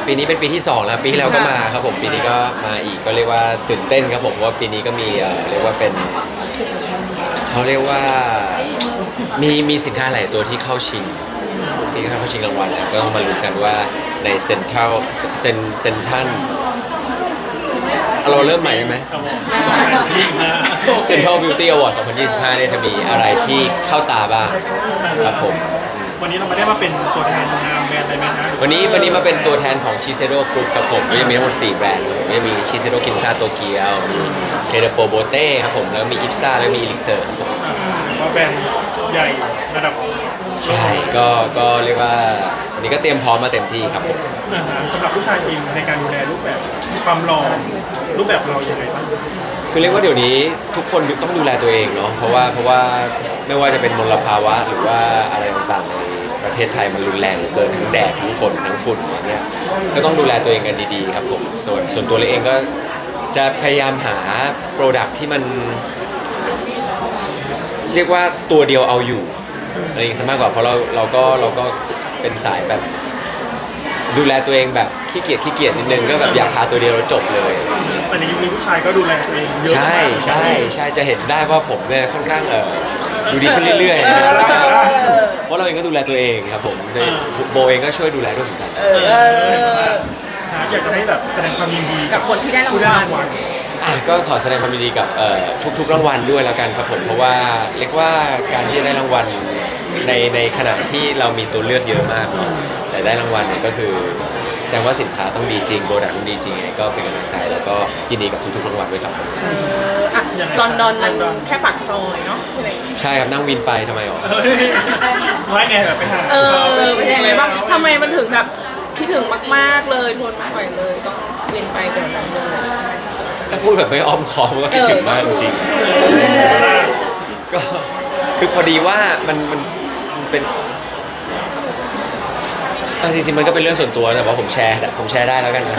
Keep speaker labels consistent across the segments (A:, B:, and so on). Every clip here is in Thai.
A: ปีนี้เป็นปีที่2แล้วปีที่แล้วก็มาครับผมปีนี้ก็มาอีกก็เรียกว่าตื่นเต้นครับผมเพราะว่าปีนี้ก็มีเรียกว่าเป็นเขาเรียกว่ามีสินค้าหลายตัวที่เข้าชิงรางวัลแล้วก็ต้องมาลุ้นกันว่าในเซ็นทรัลเซ็นทรัลเราเริ่มใหม่ได้ไหมเซ็นทรัลบิวตี้อวอร์ด2025เนี่ยจะมีอะไรที่เข้าตาบ้างครับผม
B: วันนี้เราไม่ได้มาเป็นตัวแทนนามแบรนด์อะไรไหมนะ
A: วันนี้มาเป็นตัวแทนของชิเซโร่กรุ๊ปครับผมก็จะมีทั้งหมด4แบรนด์ก็จะมีชิเซโร่กินซาโตเกียวมีเทเดโปโบเต้ครับผมแล้วมีอิปซ่าแล้วมีอิลิกเซอร์
B: ว่าแบรนด์ใหญ่ระดับ
A: ใช่ก็เรียกว่าวันนี้ก็เตรียมพร้อมมาเต็มที่ครับผม
B: สำหรับผู้ชายเองในการดูแลรูปแบบความหล่อรูปแบบเราอย่างไรบ้าง
A: คือเรียกว่าเดี๋ยวนี้ทุกคนต้องดูแลตัวเองเนาะเพราะว่าไม่ว่าจะเป็นมลภาวะหรือว่าอะไรต่างๆในประเทศไทยมันรุนแรงเหลือเกินทั้งแดดทั้งฝนทั้งฝุ่นอย่างเงี้ยก็ต้องดูแลตัวเองกันดีๆครับผมส่วนตัวเราเองก็จะพยายามหาโปรดักที่มันเรียกว่าตัวเดียวเอาอยู่อะไรอย่างนี้มากกว่าเพราะเราก็เป็นสายแบบดูแลตัวเองแบบขี้เกียจนิดนึงก็แบบอยากทาตัวเดียวแล้วจบเลย
B: แต่ในยุคนี้ผู้ชายก็ดูแลตัวเองเยอะ
A: ใช่จะเห็นได้ว่าผมเนี่ยค่อนข้างดูดีขึ้นเรื่อยๆนะเพราะเราเองก็ดูแลตัวเองครับผมโบเองก็ช่วยดูแลด้วยเหมือนกัน
B: อยากจะให้แบบแสดงความยินดี
C: กับคนที่ได้รางวัล
A: ก็ขอแสดงความยินดีกับทุกๆรางวัลด้วยแล้วกันครับผมเพราะว่าเรียกว่าการที่ได้รางวัลในขณะที่เรามีตัวเลือกเยอะมากเนาะแต่ได้รางวัลเนี่ยก็คือแสดงว่าสินค้าต้องดีจริงโปรดักต์ต้องดีจริงก็เป็นกำลังใจแล้วก็ยินดีกับทุกๆรางวัลด้วยครับ
C: ลอนดอนมันแค่ปากซอยเนาะ
A: ใช่ครับนั่งวินไปทำไมอ๋อ
B: ไม่ไงแบบไปหา
C: เป็นยังไงบ้างทำไมมันถึงแบบคิดถึงมากๆเลยทนไม่ไหวเลยต้องวินไปเดี๋ยวนั้นเลย
A: ถ้าพูดแบบไม่อ้อมค้อมก็คิดถึงมากจริงก็คือพอดีว่ามันเป็นจริงๆมันก็เป็นเรื่องส่วนตัวแต่ว่าผมแชร์ได้แล้วกันนะ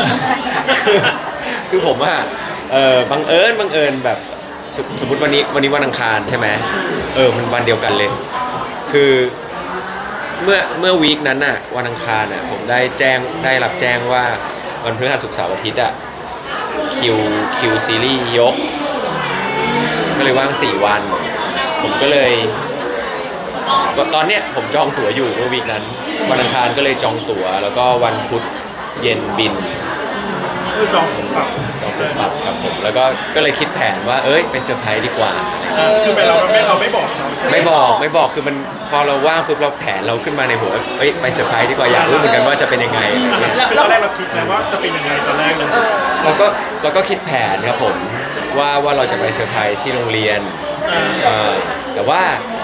A: คือผมว่าบังเอิญแบบสมมติวันนี้วันอังคารใช่ไหมมันวันเดียวกันเลยคือเมื่อวีคนั้นน่ะวันอังคารน่ะผมได้รับแจ้งว่าวันพฤหัสศุกร์เสาร์อาทิตย์อ่ะคิวซีรีส์ยกก็เลยว่าง4วันผมก็เลยตอนเนี้ยผมจองตั๋วอยู่เมื่อวีคนั้นวันอังคารก็เลยจองตั๋วแล้วก็วันพุธเย็นบิน
B: จองปรับ
A: ครับผมแล้วก็เลยคิดแผนว่าไปเซอร์ไพรส์ดีกว่า
B: คือเราไม่บอกเขาใช่ไหม
A: ไม่บอกคือมันพอเราว่างปุ๊บเราแผนเราขึ้นมาในหัวไปเซอร์ไพรส์ดีกว่าอยากรู้เหมือนกันว่าจะเป็นยังไง
B: ตอนแรกเราคิดแล้วว่าจะเป็นยังไงตอนแรกเลย
A: เราก็คิดแผนครับผมว่าเราจะไปเซอร์ไพรส์ที่โรงเรียนแต่ว่า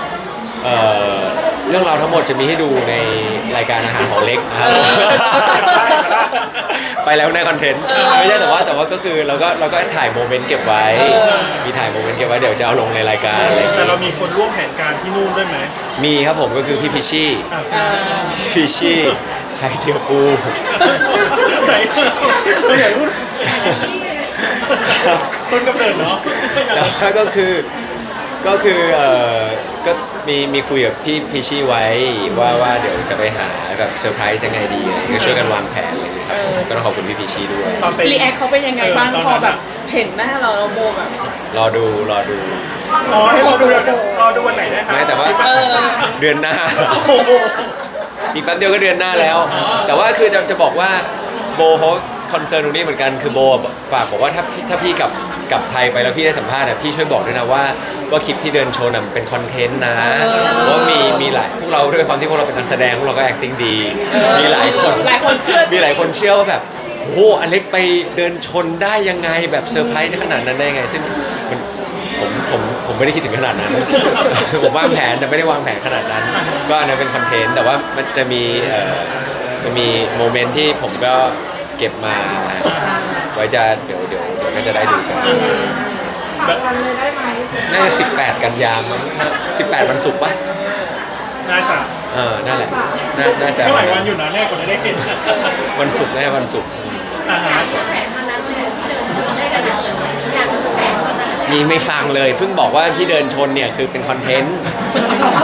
A: เรื่องราวทั้งหมดจะมีให้ดูในรายการอาหารของเล็กนะครับไปแล้วในคอนเทนต์ไม่ใช่แต่ว่าก็คือเราก็ถ่ายโมเมนต์เก็บไว้มีถ่ายโมเมนต์เก็บไว้เดี๋ยวจะเอาลงในรายการอะไร
B: แต่เรามีคนร่วมแผนการที่นู่นด้วยไหม
A: มีครับผมก็คือพี่พิชชี่ไข่เจียวปู
B: ต้นกำเนิดเนาะ
A: แล้วก็มีคุยกับพี่พิชชี่ไว้ว่าเดี๋ยวจะไปหาแบบเซอร์ไพรส์ยังไงดีก็ช่วยกันวางแผนอะไรอย่างเงี้ยครับก็ต้องขอบคุณพี่พิชชี่ด้วย
C: รีแอคเขาเป็นยังไงบ้างพอแบบเห็นหน้าเราโบแบบ
A: รอดู
B: ให้รอดูวันไหนได้ครับ
A: ไม่แต่ว่าเดือนหน้าอีกแป๊บเดียวก็เดือนหน้าแล้วแต่ว่าคือจะบอกว่าโบเขาคอนเซิร์นตรงนี้เหมือนกันคือโบฝากบอกว่าถ้าพี่กลับไทยไปแล้วพี่ได้สัมภาษณ์พี่ช่วยบอกด้วยนะว่าคลิปที่เดินโชว์น่ะเป็นคอนเทนต์นะเพราะมีหลายพวกเราด้วยความที่พวกเราเป็นนักแสดงพวกเราก็ acting ดีมีหลายคนเชื่อว่าแบบโอ้อเล็กไปเดินชนได้ยังไงแบบเซอร์ไพรส์ขนาดนั้นได้ยังไงซึ่งผมไม่ได้คิดถึงขนาดนั้นผมวางแผนแต่ไม่ได้วางแผนขนาดนั้นก็อันนั้นเป็นคอนเทนต์แต่ว่ามันจะมีโมเมนต์ที่ผมก็เก็บมาไว้จะเดี๋ยวก็จะได้ดูกันน่าจะ18 กันยายนมั้ง18 วันศุกร์ป่ะ
B: น่าจะ
A: นั่นแหละน่าจะ
B: หลายวันอยู่นะแน่กว่าจะได้เห็น
A: วันศุกร์วันศุกร์นี่ไม่ฟังเลยเพิ่งบอกว่าที่เดินชนเนี่ยคือเป็นคอนเทนต์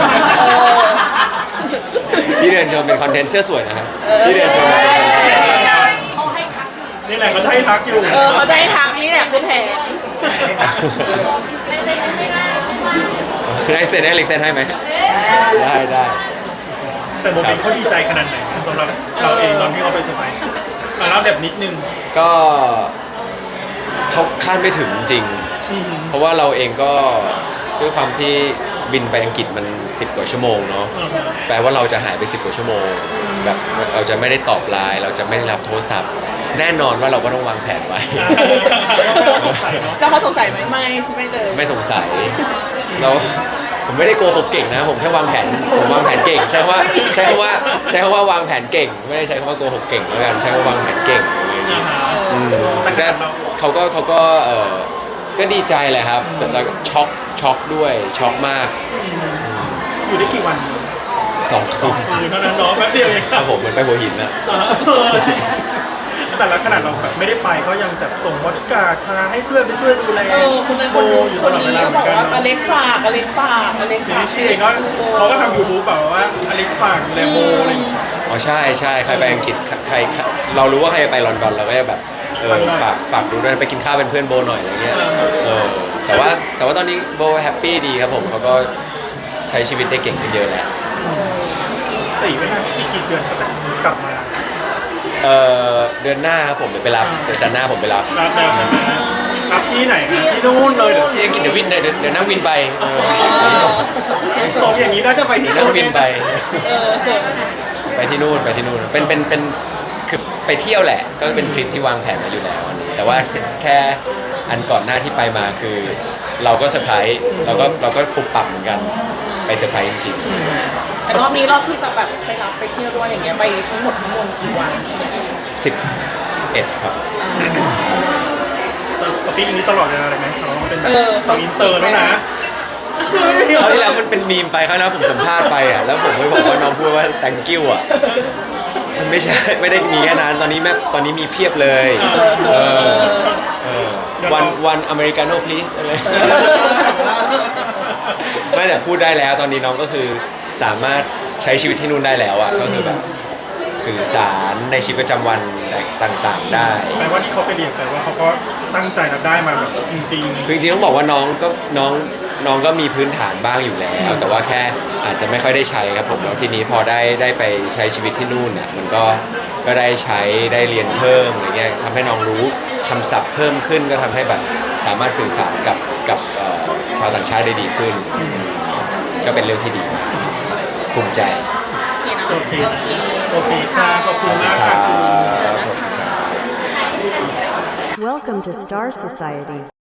A: ที่เดินชนเป็นคอนเทนต์เสื้อสวยนะครับที่เดินชนเป็นคอนเทนต์
B: นี่แหละเขาจะให้ทักอยู่
C: เขาจะให้ทักนี่แหละคือแผน
A: คือให้เซ็นให้เล็กเซ็นให้ไหมได้
B: แต่โมเมนต์เขาดีใจขนาดไหนสำหรับเราเองตอนที่เขาไปเซอร์ไพรส์มาเล่าแบบนิดนึง
A: ก็เขาคาดไม่ถึงจริง เพราะว่าเราเองก็ด้วยความที่บินไปอังกฤษมัน10 กว่าชั่วโมงเนาะแปลว่าเราจะหายไป10 กว่าชั่วโมงแบบเราจะไม่ได้ตอบไลน์เราจะไม่ได้รับโทรศัพท์ แน่นอนว่าเราก็ต้องวางแผนไว้
C: แล้วเขาสงสัยไหมไม่เลย
A: ไม่สงสัยเราผมไม่ได้โกหกเก่งนะผมแค่วางแผนเก่งใช้คำว่าวางแผนเก่ง ไม่ได้ใช้คำว่าโกหกเก่งแล้วกันใช้คำว่าวางแผนเก่งแต่เขาก็ก็ดีใจแหละครับแล้วก็ช็อกด้วยช็อกมาก
B: อยู่ได้กี่วัน
A: 2 คืน
B: เท่านั้นเนาะแป๊บเดียวเอง
A: ครับผมเหมือนไปหัวหินนะ
B: แต่ละขนาดเราแบบไม่ได้ไปเขายังแบบส่งบริการพาให้เพื่อนไปช่วยดูแล
C: คนนั้นคนนู้นคนนี้ก็บอกว่าอเล็กฝาก
B: ทีนี้ชีเองก็เขาก็ทำ YouTube แบบว่าอเล็กฝากดูแลโบอะไรอย่างเงี้ย
A: อ๋อใช่ใครไปอังกฤษใครเรารู้ว่าใครไปลอนดอนเราก็จะแบบฝากดูด้วยไปกินข้าวเป็นเพื่อนโบหน่อยอะไรเงี้ยแต่ว่าตอนนี้โบแฮปปี้ดีครับผมเขาก็ใช้ชีวิตได้เก่งขึ้นเยอะแล้ว
B: ตีไม่นานอีกกี่เดือนเขาจะกลับมา
A: เดือนหน้าครับผมเดี๋ยวไปรับเดี๋ยวจันทร์หน้าผมไปรับ
B: รับแล้วใช่ไหมรับที่ไหนนะที่นู่นเลยเดี๋ยว
A: ที่อังกฤษเดี๋ยวนั่งวินไป
B: สองอย่างนี้น่าจะไปที่
A: นั่
B: นู่
A: ง
B: น
A: วินไปที่นู่นเป็นคือไปเที่ยวแหละก็เป็นทริปที่วางแผนมาอยู่แล้วอันนี้แต่ว่าแค่อันก่อนหน้าที่ไปมาคือ เราก็เซอร์ไพรส์เราก็ปุบปับเหมือนกันไปเซอร์ไพรส์จริง
C: แต่รอบนี้รอบที่จะแบบไปรับไปเที่ยวด้วยอย่างเงี้ยไปทั้งหมดทั้งมวลกี่วัน
A: 11 ครับ
B: สปีกอันนี้ตลอดเวลาเลยไหมเขาเป็นสาวอินเตอร์แล้วนะ
A: คราวที่แล้วมันเป็นมีมไปคราวหน้าผมสัมภาษณ์ไปอ่ะแล้วผมไปบอกว่าน้องพูดว่า thank you อ่ะมันไม่ใช่ไม่ได้มีแค่นั้นตอนนี้มีเพียบเลยวันอเมริกาโน่ please อะไรไม่แต่พูดได้แล้วตอนนี้น้องก็คือสามารถใช้ชีวิตที่นู่นได้แล้วอ่ะก็คือแบบสื่อสารในชีวิตประจำวันต่างๆได้
B: แปลว่าที่เขาไปเรียนแต่ว่าเขาก็ตั้งใจรับได้มาแบบจริง
A: คือจริงๆต้องบอกว่าน้องก็มีพื้นฐานบ้างอยู่แล้ว แต่ว่าแค่อาจจะไม่ค่อยได้ใช้ครับผมแล้วทีนี้พอได้ไปใช้ชีวิตที่นู่นเนี่ยมันก็ได้ใช้ได้เรียนเพิ่มอะไรเงี้ยทำให้น้องรู้คำศัพท์เพิ่มขึ้นก็ทำให้แบบสามารถสื่อสารกับชาวต่างชาติได้ดีขึ้น ก็เป็นเรื่องที่ดีมากภูมิใจ
B: ๆโอเคค่ะขอบคุณมาก
A: ค
B: ค่ะ
A: รับ
D: Welcome to Star Society.